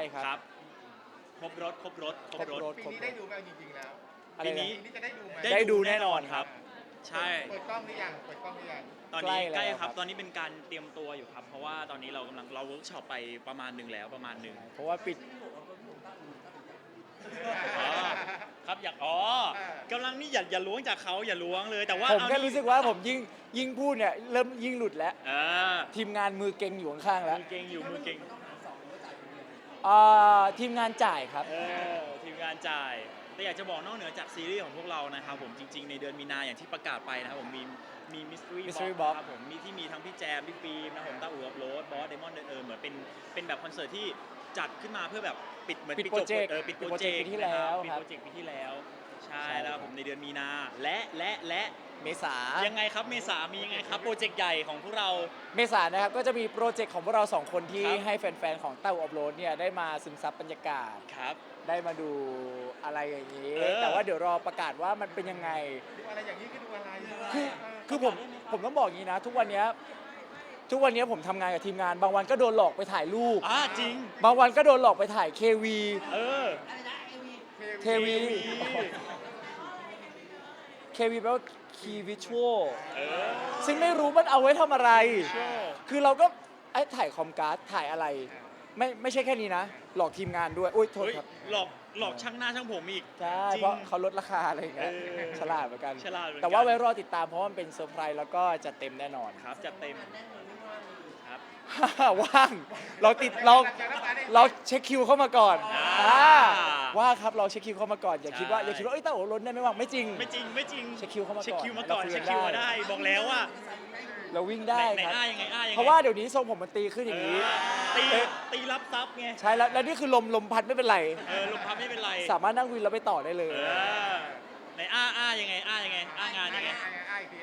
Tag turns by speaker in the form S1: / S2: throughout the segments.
S1: ครับ
S2: ครับครบรถครบรถครบรถ
S3: ปีนี้ได้ดูไหมจริงๆแล้ว
S1: อะไร
S2: ปี
S1: นะ
S2: นี้
S3: ปีนี้จะได้ดูไหม
S1: ได้ดูแน่นอนครับ
S2: ใช่
S3: เปิดกล้องหรือยังเปิดกล้องหรือยัง
S2: ตอนนี้
S1: ใก
S2: ใก
S1: ล้
S2: ล้
S1: แล้ว
S2: ครับ
S1: ครับ
S2: ตอนนี้เป็นการเตรียมตัวอยู่ครับ เพราะว่าตอนนี้เรากำลังเวิร์กช็อปไปประมาณหนึ่งแล้วประมาณหนึ่ง
S1: เพราะว่าปิด
S2: อ๋อครับอยากกำลังนี่อย่าล้วงจากเขาอย่าล้วงเลยแต่ว่า
S1: ผมแค่
S2: เอานี่
S1: รู้สึกว่าผมยิ่งพูดเนี่ยเริ่มยิ่งหลุดแล้ว
S2: เออ
S1: ทีมงานมือเก่งอยู่ข้างๆแล้ว
S2: มือเก่งอยู่มือเก่ง
S1: ทีมงานจ่ายครับ
S2: ทีมงานจ่ายแต่อยากจะบอกนอกเหนือจากซีรีส์ของพวกเรานะครับผมจริงๆในเดือนมีนาอย่างที่ประกาศไปนะครับผมมีมิสทรี
S1: Mystery
S2: บ็อก
S1: Box
S2: ครับผมที่มีทั้งพี่แจมพี่ฟิล์มนะครับผมต้าอู่อัพโหลดบอสเดมอนเหมือนเป็นแบบคอนเสิร์ตที่จัดขึ้นมาเพื่อแบบปิดเหมือน
S1: ปิด
S2: จบ
S1: โปรเจกต์
S2: ปิดโปร
S1: ปิดโปร
S2: เจ
S1: เจ
S2: ก
S1: กต์
S2: ต์
S1: ปีที่แล้ว
S2: ปิด
S1: ครับ
S2: โปรเจกต์ปีที่แล้วใช่
S1: ใช่
S2: แล้วครับผมในเดือนมีนาและ
S1: เมษา
S2: ยังไงครับเมษามียังไงครับโปรเจกต์ใหญ่ของพวกเรา
S1: เมษานะครับก็จะมีโปรเจกต์ของพวกเรา2คนที่
S2: ครับ
S1: ให้แฟนๆของเต้าอัพโหลดเนี่ยได้มาซึมซับบรรยากาศ
S2: ครับ
S1: ได้มาดูอะไรอย่างนี้
S2: เออ
S1: แต่ว่าเดี๋ยวรอประกาศว่ามันเป็นยังไง
S3: ดูอะไรอย่างนี้คือดูอะไร
S1: คือผมต้องบอกอย่างนี้นะ ทุกวันเนี้ยผมทำงานกับทีมงาน บางวันก็โดนหลอกไปถ่ายรูป
S2: จริง
S1: บางวันก็โดนหลอกไปถ่าย KV
S2: เออ
S1: KV KV แปลว่า Key Visual
S2: เออ
S1: ซึ่งไม่รู้มันเอาไว้ทำอะไร
S2: Visual
S1: คือเราก็ถ่ายคอมการ์ดถ่ายอะไร ไม่ใช่แค่นี้นะ หลอกทีมงานด้วย อุ้ยโทษ
S2: เฮ้ย
S1: ครับ
S2: หลอกช่างหน้าช่างผมอีก
S1: ใช่
S2: จริง
S1: เพราะเขาลดราคาอะไรอย่างเงี้ย
S2: เออ
S1: ฉลาดเหมือนกัน
S2: ฉลาดเหมือนกัน
S1: แต่ว่าไว้รอติดตามเพราะว่ามันเป็นเซอร์ไพรส์แล้วก็จะเต็มแน่นอน
S2: ครับจัดเต็มครับ
S1: ว่างเราเช็คคิวเข้ามาก่อน
S2: อ่า
S1: ว่าครับเราเช็คคิวเข้ามาก่อนอย่าคิดว่า
S2: ใช่
S1: เอ้ยเต้าโอ๋ล้นได้ไม่ว่างไม่จริง
S2: ไม่จริง
S1: เช็คคิวเข้ามาก่อน
S2: เช็คคิวมาก่อน
S1: เราคุย
S2: เช็ค
S1: กัน
S2: คิวมา
S1: ได้
S2: ได้บอกแล้วว่า
S1: เราวิ่งได้
S2: ไหน
S1: ครับ
S2: ยังไงยังไง
S1: เพราะว่าเดี๋ยวนี้ทรงผมมันตีขึ้นอย่างนี้
S2: ตีรับซับไง
S1: ใช่แล้วนี่คือลมพัดไม่เป็นไร
S2: ลมพับไม่เป็นไร
S1: สามารถนั่งวินแล้วไปต่อได้เลย
S2: ไหนยังไงยังไงงานยังไง
S3: อีกที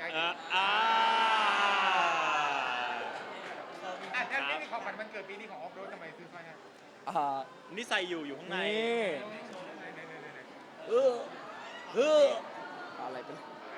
S2: ครับ
S3: นี่มีของขวัญวันเกิดปีนี้ของออฟโรดทำไมซื้อมาเนี่ย
S1: อ่า
S2: นี่ใส่อยู่ข้างใน
S1: นี่เอออะไรเป็น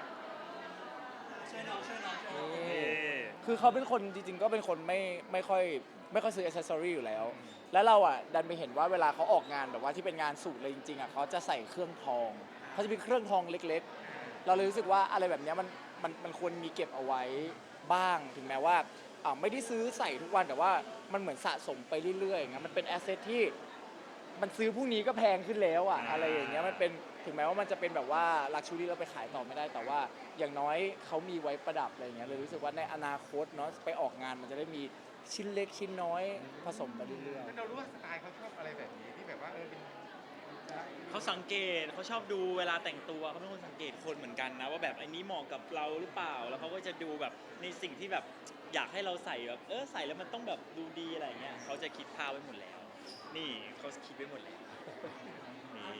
S1: นี่คือเขาเป็นคนจริงๆก็เป็นคนไม่ค่อยซื้ออ c เซสซอรี่อยู่แล้ว แล้วเราอ่ะดันไปเห็นว่าเวลาเขาออกงานแบบว่าที่เป็นงานสูตรเลยจริงๆอ่ะเขาจะใส่เครื่องทองเขาจะมีเครื่องทองเล็กๆ เราเลยรู้สึกว่าอะไรแบบเนี้ยมันควรมีเก็บเอาไว้บ้างถึงแม้ว่าไม่ได้ซื้อใส่ทุกวันแต่ว่ามันเหมือนสะสมไปเรื่อยๆอย่างเงี้ยมันเป็นแอสเซทที่มันซื้อพรุ่งนี้ก็แพงขึ้นแล้วอ่ะอะไรอย่างเงี้ยมันเป็นถึงแม้ว่ามันจะเป็นแบบว่าลักชูรี่เราไปขายต่อไม่ได้แต่ว่าอย่างน้อยเขามีไว้ประดับอะไรอย่างเงี้ยเลยรู้สึกว่าในอนาคตเนาะไปออกงานมันจะได้มีชิ้นเล็กชิ้นน้อยผสมไปเรื่อย
S3: เรารู้ว่าสไตล์เขาชอบอะไรแบบนี้ที่แบบว่าเป็น
S2: เขาสังเกตเขาชอบดูเวลาแต่งตัวเขาเป็นคนสังเกตคนเหมือนกันนะว่าแบบไอ้นี้เหมาะกับเราหรือเปล่าแล้วเขาก็จะดูแบบในสิ่งที่แบบอยากให้เราใส่แบบใส่แล้วมันต้องแบบดูดีอะไรเงี้ยเขาจะคิดภาพไว้หมดแล้ว นี่เขาคิดไว้หมดแล้วนี่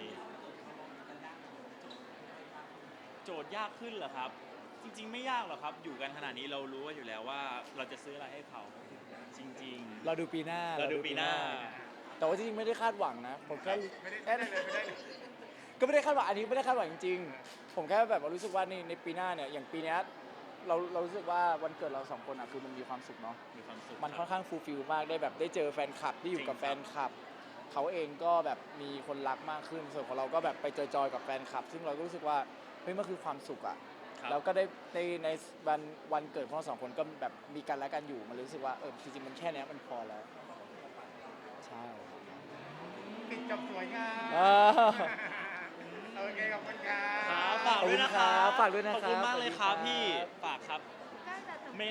S2: โจทย์ยากขึ้นเหรอครับ จริงๆไม่ยากหรอกครับอยู่กันขนาดนี้เรารู้ว่าอยู่แล้วว่าเราจะซื้ออะไรให้เขาจริง
S1: ๆเราดูปีหน้า
S2: ๆเราดูปีหน้า
S1: แต่ว่าจริงๆไม่ได้คาดหวังนะผมแค่
S3: ไม่ได้เลยไม่ได้เลย
S1: ก็ไม่ได้คาดหวังอันนี้ไม่ได้คาดหวังจริงๆผมแค่แบบว่ารู้สึกว่าในปีหน้าเนี่ยอย่างปีเนี้ยเรารู้สึกว่าวันเกิดเราสองคนอ่ะคือมันมีความสุขเนาะ
S2: มีความสุข
S1: มันค่อนข้างฟูลฟิลมากได้แบบได้เจอแฟนคลับที่อยู่กับแฟนคลับเขาเองก็แบบมีคนรักมากขึ้นส่วนของเราก็แบบไปจอยๆกับแฟนคลับ ซึ่งเราก็รู้สึกว่าเฮ้ยมันคือความสุขอ่ะ
S2: ครับ
S1: แล้วก็ได้ในวันเกิดของเราสองคนก็แบบมีกันและกันอยู่มันรู้สึกว่าจริงๆมันแค่เนี้ยมันพอแล้วใช่
S3: ปิดจบสวยงาม
S1: อ่า
S3: โอเคขอบคุณครั
S2: ครับ
S3: บ
S2: ฝากด้วยนะครับ
S1: ฝากด้วยนะครับ
S2: ขอบคุณมากเลยครับพี่
S1: สวัสดีครับ
S2: ฝากครับ